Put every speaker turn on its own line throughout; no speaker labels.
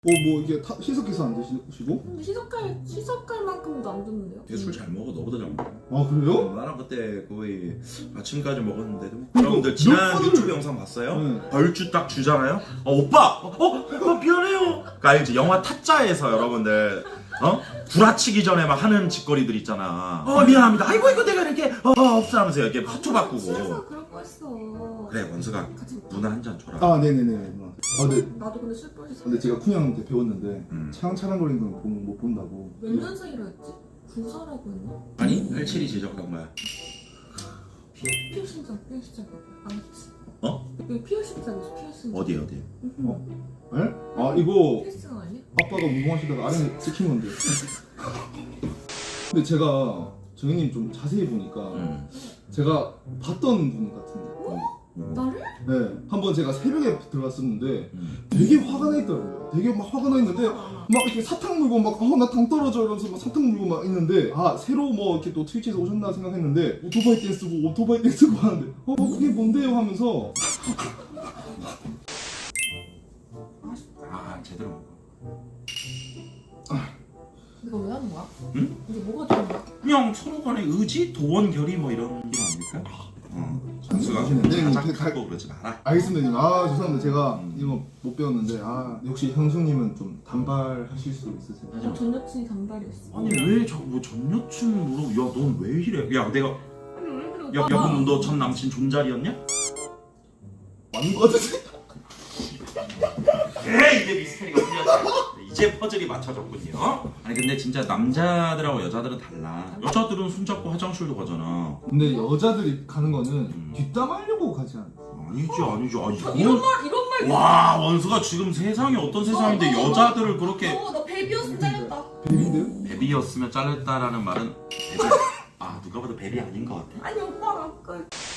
뭐 이게 희석해서 안 드시고?
근데 희석할 만큼도 안 듣는데요?
얘 술 잘 먹어. 너보다 잘 먹어.
아 그래요?
나랑 그때 거의 아침까지 먹었는데도. 여러분들 지난
번을-
유튜브 영상 봤어요?
네.
얼추 딱 주잖아요? 오빠! 오빠 미안해요. 그러니까 알지? 영화 타짜에서 여러분들 구라치기 전에 막 하는 짓거리들 있잖아. 미안합니다. 아이고 이거 내가 이렇게 없어 하면서 이렇게 화투
취해서
바꾸고.
그럴 뻔했어.
그래 원수가
같이 먹자.
누나 한 잔 줘라.
아 네네네. 아 근데
나도 근데 술 뻔했어.
제가 쿤형한테 배웠는데
음.
차랑거리는 건 못 본다고.
몇 년생이라 했지? 9살라고 했나?
아니 87이 지적한 거야.
피어싱장 안 했지?
어?
여기 피어싱장이지 피어싱장.
어디?
네? 아 이거
피어싱 아니야?
아빠가 무궁하시다가 아래 찍힌 건데. 근데 제가 정현님 좀 자세히 보니까 제가 봤던 분 같은데.
나를?
네. 한번 제가 새벽에 들어갔었는데 되게 화가 나 있더라고요. 되게 막 화가 나 있는데 막 이렇게 사탕 물고 막 나 당 떨어져 이러면서 막 사탕 물고 막 있는데 새로 뭐 이렇게 또 트위치에서 오셨나 생각했는데 오토바이 댄스고 하는데 그게 뭔데요 하면서
제대로 먹어.
이거 왜 하는 거야?
응?
이게 뭐가 되는 거야?
그냥 서로 간의 의지, 도원, 결의 뭐 이런 게 아닐까? 선수가
네,
가장
다-
크고 그러지 마라.
알겠습니다 님. 죄송합니다. 제가 이거 못 배웠는데 역시 형수님은 좀 단발하실 수 있으세요?
전 여친이 단발이었어.
아니 왜 자꾸 뭐 전 여친 물어? 야 넌 왜 이래? 야 내가
아니 왜 그래
야
오빠가?
그럼 너 전 남친 존잘이었냐?
맞는 거 같은데?
그래 이제 미스터리가 풀렸다. 이제 퍼즐이 맞춰졌군요. 아니 근데 진짜 남자들하고 여자들은 달라. 여자들은 손잡고 화장실도 가잖아.
근데 여자들이 가는 거는 뒷담하려고 가지 않아요.
아니지.
이런 말
와 원수가 지금 세상이 어떤 세상인데 여자들을 그렇게
너 베비였으면 잘렸다.
베비인데요?
베비였으면 잘렸다라는 말은 베비. 누가 봐도 베비 아닌 것 같아.
아니 오빠가 아까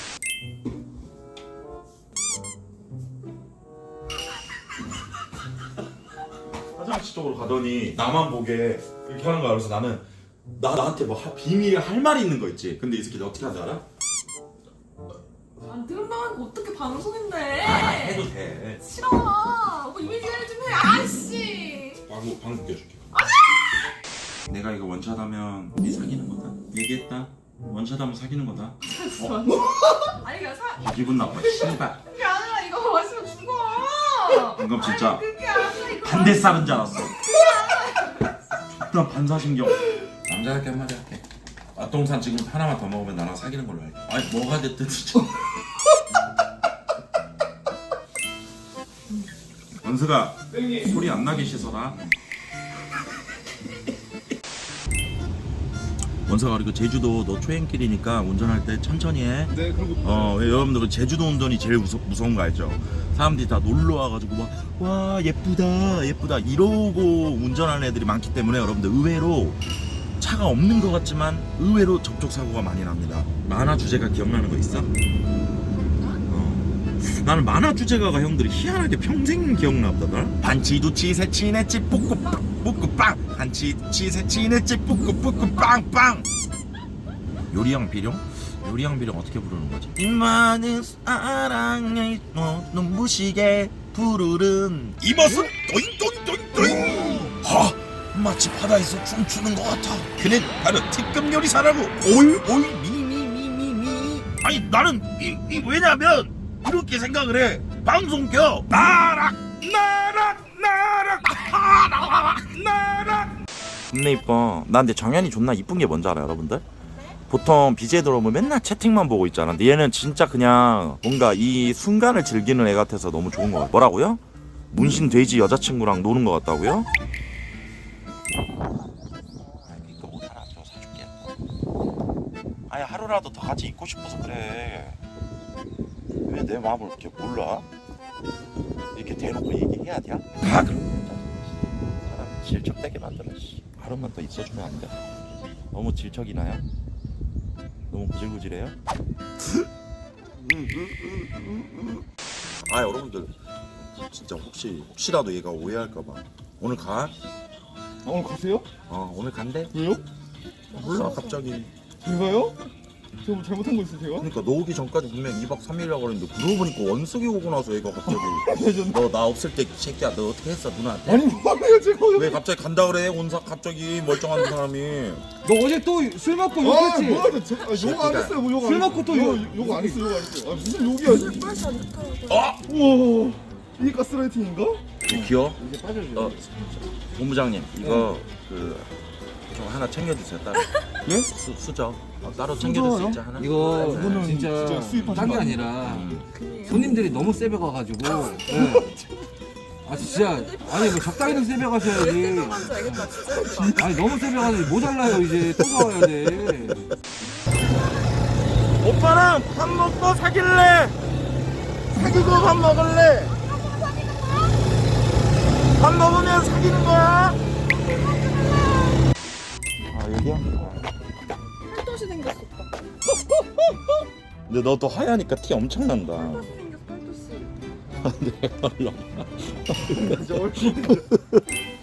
화장실 쪽으로 가더니 나만 보게 이렇게 하는 거야. 그래서 나는 나한테 뭐 비밀 할 말이 있는 거 있지. 근데 이 새끼 어떻게 하는지 알아?
안 들은다는 거 어떻게 방송인데?
해도 돼.
싫어. 오빠 이미지 관리 좀 해. 아씨.
방구 껴줄게. 내가 이거 원샷하면 우리 사귀는 거다. 얘기했다. 원샷하면 사귀는 거다.
아니 그냥 사.
기분 나빠. 씨발.
그게 아니라 이거 마시면 죽어.
방금 진짜
아니, 그게 아니라 이거.
반대 쌀은 줄 알았어. 존나 반사신경. 남자답게 한마디 할게. 맛동산 지금 하나만 더 먹으면 나랑 사귀는 걸로 할게. 아니 뭐가 됐든 원수가 소리 안 나게 씻어라. 원수가 그리고 제주도 너 초행길이니까 운전할 때 천천히 해.
네 그리고
여러분들 제주도 운전이 제일 무서운 거 알죠? 사람들이 다 놀러 와가지고 막 와 예쁘다 이러고 운전하는 애들이 많기 때문에 여러분들 의외로 차가 없는 것 같지만 의외로 접촉 사고가 많이 납니다. 만화 주제가 기억나는 거 있어? 나는 만화 주제가가 형들이 희한하게 평생 기억나보다. 반치두치 세치네치 뿌꾸빵 반치두치 세치네치 뿌꾸빵 요리양 비룡 어떻게 부르는 거지? 이 많은 사랑에 눈부시게 부르는 이 맛은 또잉 마치 바다에서 춤추는 것 같아. 그는 바로 특급 요리사라고. 오이 미 아니 나는 왜냐면 이렇게 생각을 해. 방송 켜 나락 겁나 이뻐. 나 근데 정연이 존나 이쁜 게 뭔지 알아 여러분들? 보통 BJ 들어오면 맨날 채팅만 보고 있잖아. 근데 얘는 진짜 그냥 뭔가 이 순간을 즐기는 애 같아서 너무 좋은 거 같아. 뭐라고요? 문신 돼지 여자친구랑 노는 거 같다고요? 이거 옷 하나 더 사줄게. 아니 하루라도 더 같이 있고 싶어서 그래. 왜 내 마음을 이렇게 몰라? 이렇게 대놓고 얘기해야 돼? 다 그런 거야. 사람 질척되게 만들어. 하루만 더 있어주면 안 돼? 너무 질척이 나요? 너무 구질구질해요? 여러분들 진짜 혹시라도 얘가 오해할까봐 오늘 가?
오늘 가세요?
오늘 간대?
왜요?
몰라 갑자기
제가요? 제가 뭐 잘못한 거 있어요 제가?
그러니까 너 오기 전까지 분명 2박 3일이라고 그랬는데 그러고 보니까 원석이 오고 나서 얘가 갑자기 너 나 없을 때 새끼야 너 어떻게 했어 누나한테?
아니 뭐예요 제가
왜 갑자기 간다 그래 온사 갑자기 멀쩡한 사람이.
너 어제 또 술 먹고
아
욕했지?
뭐야 욕안 했어요 뭐 욕 안
술
했어요
먹고 또
욕 안 했어요 욕 안 했어요 아 무슨 욕이야
맛이 안 좋다고.
아!
우와 이게 가스라이팅인가?
귀여워?
이제 빠져줘.
본부장님 이거 좀 하나 챙겨주세요 따로.
예?
수저 따로 챙겨줄 수 있죠 하나?
이거
네.
이거는
진짜
진짜 수입하신
딴 게
거
아니라
그래요?
손님들이 너무 세배가가지고 네. 아 진짜 아니 뭐 적당히는 세배가셔야지.
생각한 줄 알겠다 진짜.
아니 너무 세배가지고 모자라요 이제 또 사와야 돼.
오빠랑 밥 먹고 사귈래? 사귀고 밥 먹을래? 밥 먹으면 사귀는 거야? 아 여기야?
팔도시 생겼어 오빠.
근데 너 또 하얘니까 티 엄청 난다.
팔도시 생겼어 팔도시.
내가 얼른
진짜 얼굴